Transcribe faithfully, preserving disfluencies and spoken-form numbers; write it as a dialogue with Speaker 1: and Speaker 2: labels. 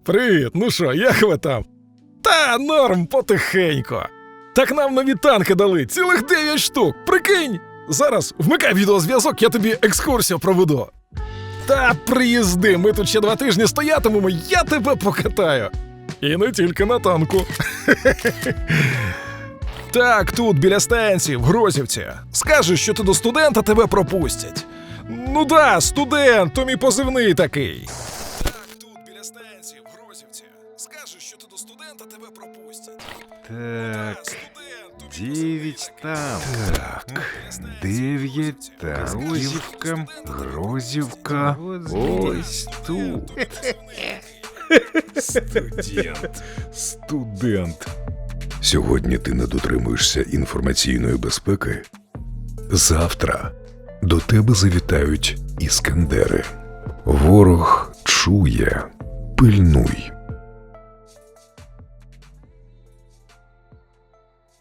Speaker 1: Привіт, ну що, як ви там? Та норм, потихенько. Так нам нові танки дали, цілих дев'ять штук, прикинь! Зараз вмикай відеозв'язок, я тобі екскурсію проведу. Та приїзди, ми тут ще два тижні стоятимемо, я тебе покатаю. І не тільки на танку. Так, тут, біля станції, в Грозівці. Скажеш, що ти до студента, тебе пропустять. Ну да, студент, то мій позивний такий. Так, тут, біля станції, в Грозівці. Скажеш, що ти до студента, тебе пропустять.
Speaker 2: Так, дев'ять там. Так, дев'ять там. Грозівка, Грозівка. Ось тут.
Speaker 1: Студент.
Speaker 2: Студент.
Speaker 3: Сьогодні ти не дотримуєшся інформаційної безпеки. Завтра до тебе завітають іскандери. Ворог чує. Пильнуй.